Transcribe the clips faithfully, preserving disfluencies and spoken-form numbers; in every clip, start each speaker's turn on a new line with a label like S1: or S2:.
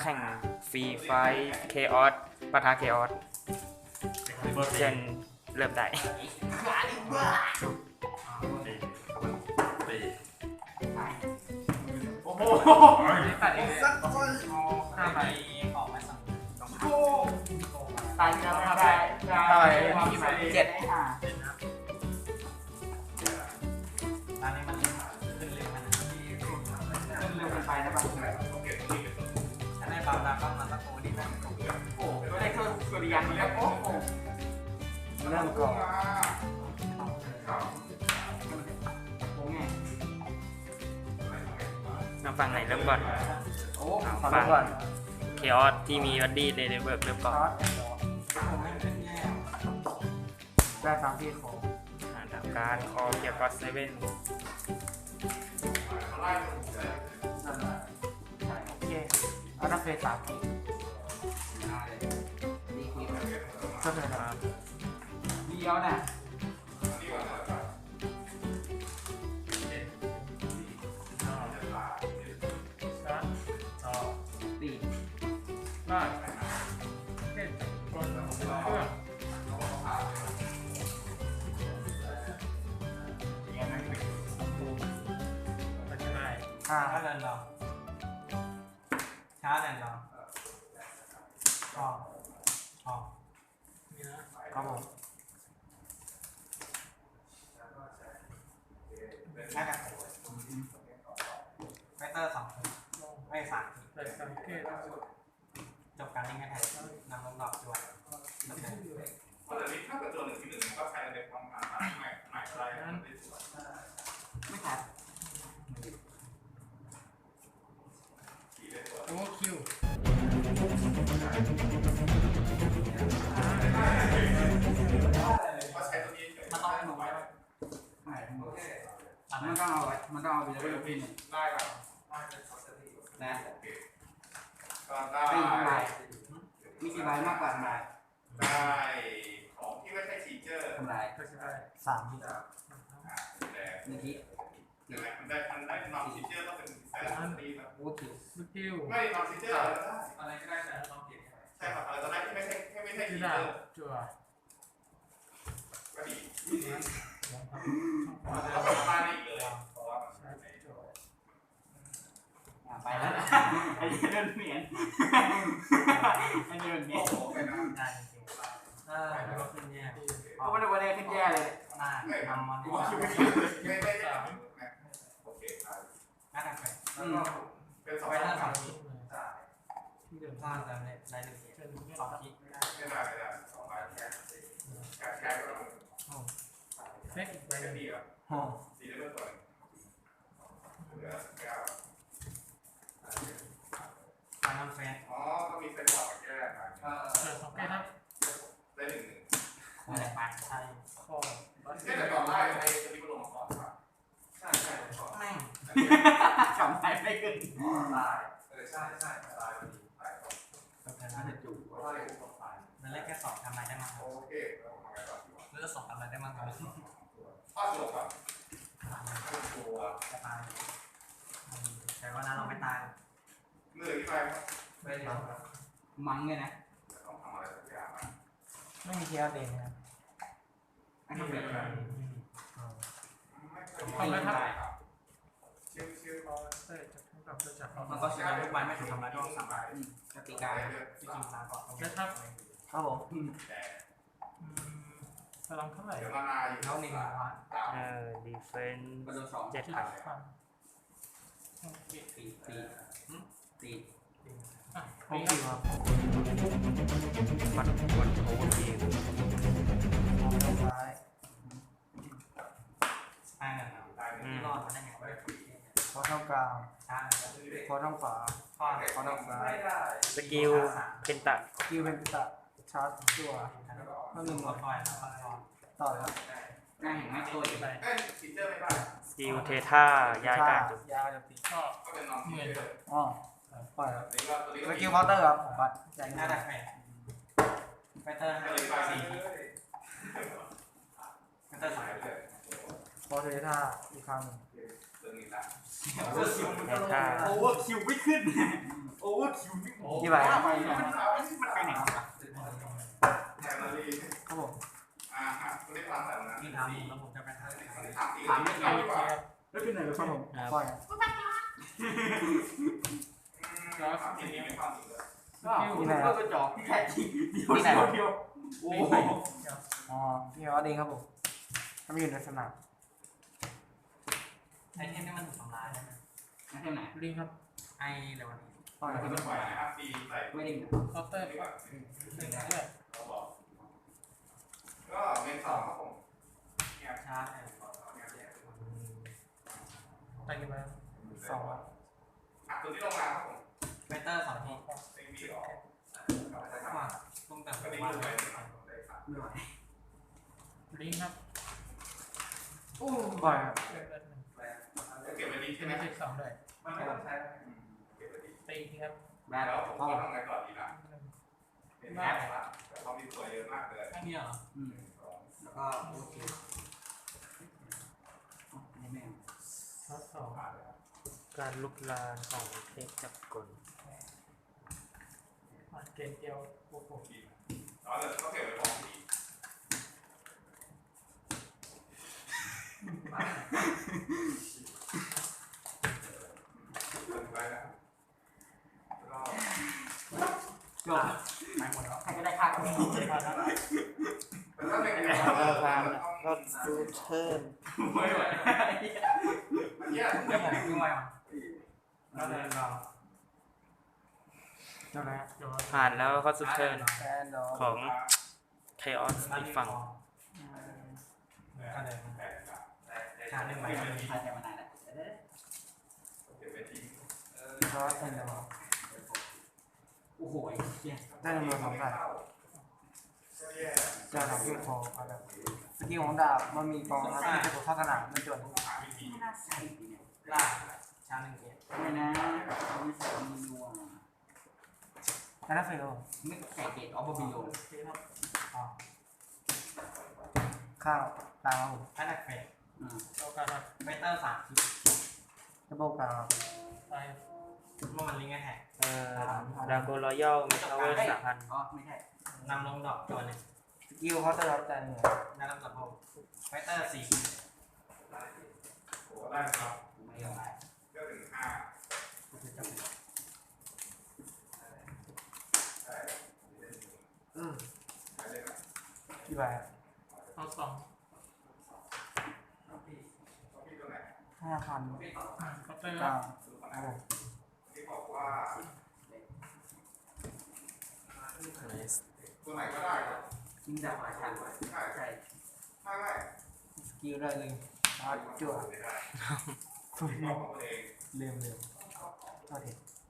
S1: แข่งฟรีไฟเคออสปะทะเคออสเชิญเริ่มได้
S2: โอ้โหตัดเองสักคนห้าใบออกมาสองตายแล้วห้าใบเจ็ดห้าตอนนี้มันขึ้นเร็วมันขึ้นเร็วไปนะบางถ้าได้บางแล้วก็มันตะโกนดีนะโอ้ก็ได้เครื่องสุริยันแล้วโอ้โหเริ่มก่อน
S1: มาฟังไหนเริ่มก่อน
S2: โอ้
S1: ฟังเคออสที่มีวัดดี้เดลิเวอร์เริ่มก่อน
S2: ได้ตามที่ขอ
S1: อ่านทำการคอเกี่ยวกับเซเว่น
S2: โอเคเอาถ้าเฟสสามทีก็เลยครับเดียวน่ะตีได้เล่นบอลเครื่องช้าเดินรอช้าเดินรอออกออกครับผมน่าจะไฟเตอร์สองไม่สามจบการเล่นแค่แทนนำลงดอกด้วย
S3: เพราะแต่นี้ถ้าเกิดตัวหนึ่งที่หนึ่งก็ใช้ในความหมายใหม่ใหม่อะไรนั้น
S2: ไม่ขาด
S4: โอ้คิว
S3: ก็ใช้ตัวนี้
S2: มันต้องให้หนูไว้มันต้องเอามันต้องเอาไปเลยพี่หนึ่ง
S3: ได้ครับ
S2: นะ
S3: ก็ได้
S2: ไม่กี่ใบมีกี่ใบมากกว่าทำลาย
S3: ได้ของที่ไม่ใช่ฟีเจอร์
S2: ทำลายสามที
S3: แต่
S2: หนึ่งที
S3: นั่นแหละมันได้มันได้นอนฟีเจอร์ต้องเป็นแสนปีครับ
S2: โอ้ถือ
S4: สกิล
S3: ไม่นอนฟีเจอร์อะไรก็ได้
S4: อะไรก็ได้แต่ต้องเก็บ
S3: ใช่ครับอะไรก็ได้ที่ไม่ใช่ไม่ใช่
S4: คื
S3: ฟี
S4: อ
S3: เจ
S4: ดา
S3: อร์
S4: จั่ว
S3: ก็ดีเราทำบ้านอีกเลยเพราะว่ามัน
S2: ไปแล้วไอ้เดินเหมียนไอ้เดินเหมียน
S3: โอ้โหไปนะ
S2: ได้จริงๆได้แล้วก็ขึ้นแย่เพราะว่าในวันนี้ขึ้นแย่เลยได้ทำมัน
S3: ไม่ไม่ไม่โอเคครับ
S2: น่าจะไป
S3: แล้วก็เป็นสอง
S2: ไปหน้าสองที
S4: ที่เดิม
S2: สร้างแต่ในในหนึ่งที
S4: เป็น
S2: สองที
S3: ไม่ได้ไม่ได้สองใบแค่แค่แค่ก็ต้อง
S4: เล็กอีกใบ
S3: แค่
S4: หนึ่ง
S3: ดีอ่ะ
S2: โอ้
S3: ดีได้เมื่อก่อนเหลือแก้ว
S2: ทางน้ำเฟส
S3: อ๋อก็มีเป็นหลอดแก้มา
S4: เปิดสองแก้วครับ
S3: ได้หนึ่งหนึ่ง
S2: อะไรไปใช่
S4: คอบัส
S3: แค่แต่ก่อนไล่ไอ้ตัวนี้ก็ลงมาก่อนครับใช่ใช่ก่อน
S2: แม่งจำไปไม่ขึ้น
S3: ตายเออใช่ใช่ตายพอดีตายก่อน
S2: ก็แค่นั้นจะจู่
S3: เพราะว่าเด็กต้องตาย
S2: นั่นแรกแค่สองทำอะไรได้มั้ง
S3: โอเคแล้วทำไงต่อดีวะ
S2: เลือกสองทำอะไรได้มั้งครับ
S3: อ้าวจบอ่ะตัว
S2: จะตายแต่ว่านั้นเราไม่ตาย
S3: เหนื่อยที่ไปครับไม่ได้ครับ
S2: มั้งเนี่ยนะ
S3: ต้องทำอะไรสักอย่างนะ
S4: ไม่มีเทียร์เด่นนะ
S2: อันนี้เป็นอะไร
S3: ไม่เคยได้ครับชิวชิว
S4: คอเตอร์จะทั้งกับจะจับ
S2: มันก็ใช้ทุกวันไม่ถูกทำร้ายด้วยสามบาทกติกาที่จริงตามก่อน
S4: แล้วครับ
S2: ครับผม
S3: แต่
S4: พลังเท่าไหร่
S3: เดี๋ยวนานาอยู่
S2: เท่าหนึ่งพัน
S3: ตาม
S1: เออดีเฟน
S2: กระโดดสอง
S1: เจ็ดพัน
S4: ฟัง
S2: ตีตีตี
S4: ผมคิวครับ
S1: มันกดโอเวอร์คิว
S2: ซ้ายใช่ครับ
S3: ตาย
S1: อื
S3: นี่
S1: ม
S2: รอดมาได้ไงวะ
S5: พอเท่ากลาง
S2: ใช่
S5: พอเท่าขวา
S2: ข้อ
S5: พอเท่าซ้าย
S1: สกิลเพนตะ
S5: คิวเป็นตะชาร์จตัวนั่นหนึ่ง
S2: หมดฟอยล์แล้วก็รอด
S5: ต่อแล้ว
S2: ง่ายเห็นไหมตัวอีก
S4: ไป
S3: เอ้ยฟีเจอร์ไม่ได้
S1: สกิลเทท่าย้ายการจุด
S5: ยาวจะตี
S4: ก็
S3: ก็เป็นนอนฟีเจอร์
S5: อ๋อปล่อยครับ
S3: นี่ก็ตัวนี้
S5: ส
S3: ก็
S5: กิลเคาน์เตอร์ครับผมบัตรใจ
S2: หน้า
S5: ง่าย
S2: ดักแปดไฟเตอร์
S3: ก็เลยไป
S2: สี่
S3: สี่
S2: ไฟเตอร์สาม
S3: เลย
S5: พอเทท่าอีกครั้งหนึ่ง
S3: เรื่องนี้ละ
S1: เทท่า
S2: โอเวอร์คิวไม่ขึ้น
S3: โ
S2: โอ้คิวนี่
S5: กี่ใบ
S2: ไปมันมันไปไหนวะ
S3: แทนนารี
S5: ครับผม
S3: อ่าฮะคุณได้ฟังแต่ละนะ
S2: นี่ทำแล้วผมจะไปทำ
S3: ถามถามไม่ได้ดีกว่า
S2: แล้วเป็นไหนแล้ว
S5: ครับผมปล่อยครับ
S3: ถามที่นี่ไม่ฟังอีกเลย
S2: ก็ก็จอกที่แท้จริงเดียวเดียวโอ้
S5: อ๋อพี่ว่าเองครับผมถ้าไม่อยู่ในสนาม
S2: ไอเทมนี่มันถูกทำลายใช่ไหมไอเทมไหน
S4: ลิงครับ
S2: ไอเดี๋ยววันนี้
S5: ปล่อย
S3: คุณต้องปล่อยนะครับตีใส่
S2: ไม่ได้
S4: เคาน์เตอร์
S3: ดีกว่า
S4: หนึ่งเลือด
S3: เราบอกก็เมนสองครับผมเนี่ย
S2: ชาร์จ
S4: ไปกี่ใบ
S5: สอง
S3: อ่ะตัวที่ลงมาครับผม
S2: เบเตอร์สองที
S3: เต็งบีหรอ
S2: ว่าต้องแต่ง
S3: ก็ดี
S2: ว่า
S3: เลย
S2: ไม่ไหว
S4: ลิงครับ
S5: ปล่อยครับ
S4: เลือดเลือดหนึ่ง
S3: เก็บไว้ดีใช่ไหม
S4: ไม่ใช่สองด้วย
S3: มันไม่ต้องใช้เก็บไว้ดี
S4: ตีทีครับ
S2: แบ
S3: แล้ว
S2: บ
S3: ผม
S2: ห้อง
S3: ทำไงก่อนดีล่ะ
S4: หนึ่ง
S3: เป็นแอปละแต่เขามีตัวเยอะมากเลย
S2: แค่นี้เหรออืมแล้วก็โอเคนี่แม่ง
S4: ช็อตสอง
S1: การลุกลานของเทพจักรกล
S4: อ่ะเกมเดียวโอ้โห
S3: แล้วเดี๋ยวก็เก็บไว้ของดีไปแล้ว
S2: จบไปหมดแล้วใครก็ได้ค่าก็มี
S4: ผ่านแล้ว
S3: แต่ถ้าเป็น
S1: เอาพามก็ซูเทิร์น
S2: ไม่ไหว
S3: มันแย่
S2: เดี๋ยวผมดูมาแล้วเดินรอ
S5: เท่าไหร่ครับ
S4: เดี๋ยว
S1: ผ่านแล้วก็ซูเทิร์น
S5: แอนดอร์
S1: ของเคออสอีกฝั่ง
S2: ก็เดินชาร์จหนึ่งใบชาร์จแค่มานานแล้ว
S3: เก็บไว้ทิ้ง
S5: ซอสแอนดอร์
S2: โอ้โหเหี้ย
S5: ได้จำนวนสองใบ
S3: ก็แย่
S5: จะทำให้พออะไรสกิลของดาบมันมีกองครับที่จะเข้าสนามไม่จด
S3: หาวิธี
S2: ไม่น่าใส่ดิเนี่ยล่าชาร์จหนึ่งเกียร์ไม่นะไม่ใส่มีนัว
S5: อันนั้นเฟล
S2: ไม่ใส่เกตออฟบิโล
S5: ข้าวตามครับผม
S2: อันดับเฟส
S4: เราการครับ
S2: เบเตอร์สามคิด
S5: ดับเบิลกลางครับ
S4: ไป
S2: เมื่อมันลิงก์แท็ก
S1: เอ่อดาโกรอยัลมีพาวเวอร์สามพัน
S2: อ๋อไม่ใช่นำลงดอกตัวหนึ่ง
S5: สกิลเขาจะรับใจเหนือ
S2: นั่นลำดับโบเบเตอร์สี่
S3: โอ้ได้ครับ
S2: ไม่ยอมได้
S3: ก็ถึงห้าได้
S5: อืม
S3: ได้เลยนะ
S5: กี่ใบครับ
S4: เอาสอง
S3: พี่ตัวไหน
S5: ห้าพัน
S4: เคาน์เตอร์ค
S5: เก้า
S4: รับ
S3: ดูก่อน
S5: ครั
S3: นะ
S5: บผม
S3: ที่บอกว่า ตัวไหนก็ได้ครับ
S2: ยิงดาวหลายชั้น
S3: ใช่
S2: ใช่
S3: ไม่ไม่
S5: สกิลได้เลยชาร์จจั่ว
S3: ไม่ได้
S5: ฟุ่
S3: บอกของตัวเอง
S5: ลืมลืมโทษที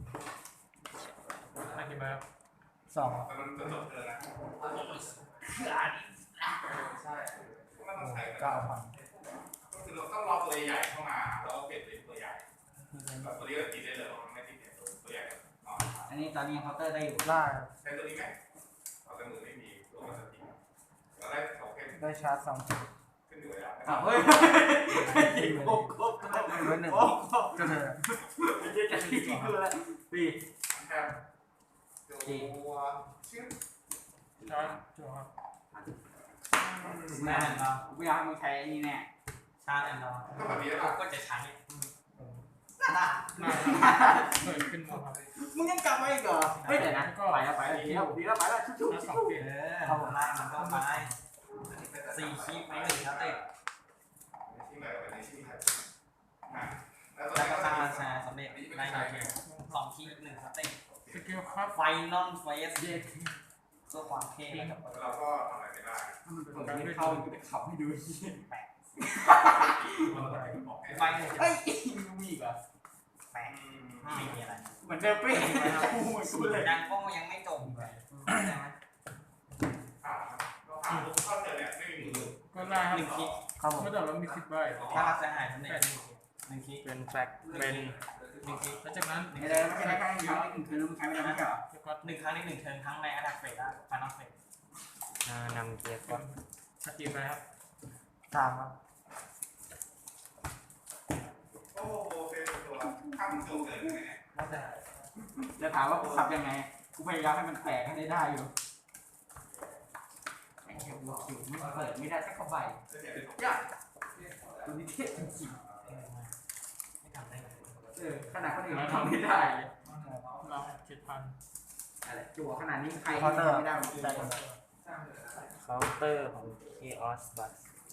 S4: ไปกี่ใบครับ
S5: สอง
S3: แต่มันจะจบเธอนะ
S2: คืออันนี้
S3: ใช่ไม่ต้องใส่
S5: เก้าพัน
S3: ก็คือเราต้องรอตัวใหญ่เข้ามาแล้วก็เปลี่ยนเป็นตัวใหญ่แบบตัวนี้ก็ติดได้เลยมันไม่ติดเนี่ยตัวใหญ่อ๋อ
S2: อันนี้ตอนนี้เคาน์เตอร์ได้อยู่
S5: ล่า
S3: ใช้ตัวนี้ไหมเอาแต่มือไม่มีตัวมันจะติดเราได้สองเข้ม
S5: ได้ชาร์จสองจุด
S3: ขึ้นอยู่กับ
S2: อ้าวเฮ้ยโอ้โห
S5: เว้นหนึ่ง
S2: โอ้โห
S5: ก็เธอ
S2: เจ๊จะตีคืออะไรปี
S3: แคมตัวชื่อ
S4: จอยจั่วครับ
S2: แน่นอนไม่อยากมึงใช้นี่แน่ชาแน่นอน
S3: ก็แบบนี้แล้ว
S2: ก็จะใช้น่า
S4: มาเปิดขึ้นมาครับ
S2: มึงยังกลับมาอีกเหรอเฮ้ยเดี๋ยวนะไปแล้วไปแล้วดีแล้วดีแล้วไปแล้วชุบชุบ
S4: แล้วส
S2: ชุ
S4: อง
S2: บ
S4: เปลี่ยน
S2: เออเอาผมไล่มันก็ไปสี่คลิปไม่หนึ่งครับเต้
S3: ที่ไหนกับในที่ไหนอ่ะแล้วตัว
S2: แล้ว
S3: นี้
S2: ก็
S3: ก็
S2: สร้าง
S3: จะ
S2: ราชาสำเร็จได้โอเคสองคลิปหนึ่งครับเต้
S4: สกิลครับ
S2: ไฟนอลเฟสเพื่อความเท่แล้วกับ
S3: เราก็ทำอะไรไม่ได้
S2: ผมไม่เข้าจะขับให้ดูแปลก
S3: ไป
S2: ไฟเฮ้ยมีอีกเหรอแปลกไม่มีอะไรเหมือนเดิมเป๊ะกูเหมือนกูเลยยังก็ยังไม่จบเลยใช่ไหม
S3: อ่าเราทำทุกข้อเจอเนี่ยไม่มีมือ
S4: ก็ได้ครับ
S2: หนึ่งคลิป
S5: ครับผม
S4: เมื่อแต่เรามีสิบใบ
S2: ถ้ารักจะหายสำเร็จหนึ่งคลิป
S1: เป็นแฟกเป็น
S2: หนึ่งคลิป
S4: แล้วจากนั้น
S2: ไม่ได้ไม่ได้ครั้งเดียวหนึ่งคืนมึงใช้ไม่ได้ไหมเหรอ
S4: จะก็
S2: หนึ่งครั้งในหนึ่งเทิร์นครั้งในอัดับเฟสอะฟานอลเฟส
S1: อ่านำเกียร์
S4: ก่อนสกิลไปครับ
S5: สามครับ
S3: โอ้โหเป็นตัวข้ามตัวเกินเลยเนี่ย
S4: แล้วแต่
S2: จะถามว่ากูขับยังไงกูพยายามให้มันแปลกให้ได้ได้อยู่ไอ้เหี้ยหัวคิวไม่เปิดไม่ได้สักกระใบยากตัวนี้เท่จริงๆเออขนาดคนอื่นมันทำไม่ได้เลย
S4: เราเจ็ดพัน
S2: อะไรจั่วขนาดนี้ใคร
S5: เคาน์เตอร์
S2: ไม่ได้หรอก
S5: ได้
S1: เคาน์เตอร์ของ Chaos Bus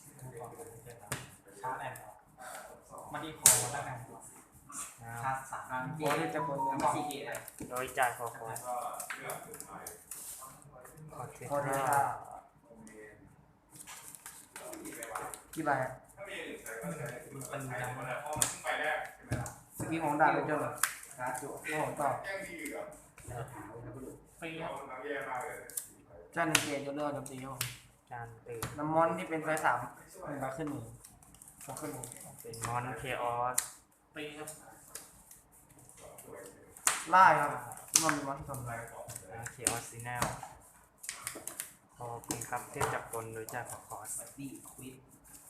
S2: ชาร์จแอนด์มันดีพอแล้วกัน
S1: นะค
S2: ชา
S1: รับ
S2: ร์จสาม
S5: โอ้ที่จะกด
S2: แล้วก็ซีเอเลย
S1: โดยจ่ายคอคอส
S3: ก็เลือกสุดท้าย
S1: คอเท
S5: โคเด
S1: รา
S5: ต้ากี่ใบ
S3: ถ้ามีอื่นใช้ก็ใช้มันใช้หมดแล้วเพราะมันเพิ่งไปแรกใช่ไหมล่ะ
S5: สกิลของดาบเป็นเจ้าเหรอ
S2: ชาร์จจั่ว
S5: โอ้ผมต่อ
S3: แย่งดีเหลือ
S4: ปีค
S3: เรา
S4: รับ
S3: น้ำแย่มากเลย
S5: จ้าหนึ่งเกตยกเลิกโจมตีครับผม
S1: จานตื่น
S5: น้ำมอนที่เป็นไฟสามหนึ่งใบขึ้นมือพกขึ้นมือ
S1: เป็นมอน Chaos
S4: ปีครับ
S5: ไล่ครับมันมีมอนที่ทำอะไร
S1: นะ Chaos Signal ขอบคุณครับเทพจักรกลโดยจ่ายคอคอส
S2: ดีควิด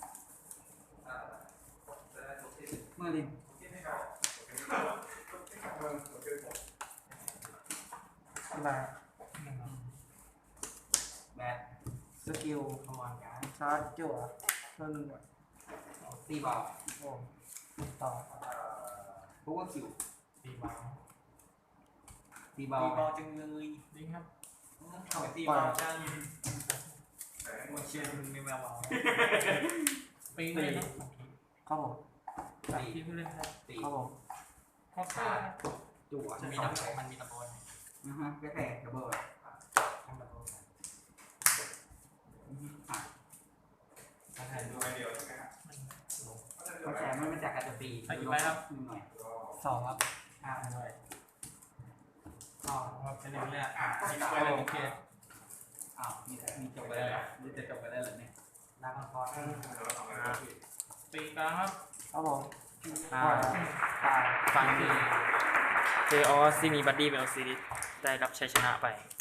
S2: เมื่อลิน
S5: ไล่
S4: หนึ่งครับ
S2: แบท
S5: สกิล
S2: ขวานการ
S5: ชาร์จจั่วเพิ่ม
S2: ตีบอล
S5: โอ้ต่อ
S2: พวกว่าคิว
S4: ปีบาท
S2: ตีบอลตีบอลจังเลย
S4: ลิงครับ
S2: เข้าไปตีบอลจังมาเชียร์มึงในแมวบอล
S4: ปีเลยครับ
S5: ครับผม
S4: สามทีผู้เล่นครับ
S2: ตี
S5: ครับผม
S4: คอปเตอร์
S2: จั่วมีดับมันมีดับเบิลนะฮะก็แต่ดับเบิลทำดับเบิลอ่ะ
S3: ดูไปเดียวใช่ไหมฮะ
S2: เข้าใจไม่มาจากการจะตีหน่อย
S5: สองครับ
S2: อ่าด้วย
S4: อ๋อครับเป็นเรื่องแรก
S3: อ่ะที่ไปเลย
S4: โอเค
S2: อ้าวมีมีจบไปได้เหรอมีจะจบไปได้เหรอเนี่ยลาบังคอร์
S3: เราทำอะไรผิด
S4: ปีกลางครับ
S5: ครับผม
S1: อ่า
S5: ตาย
S1: ฟัง Chaos ที่มีบัดดี้เป็นออซิลิสได้รับชัยชนะไป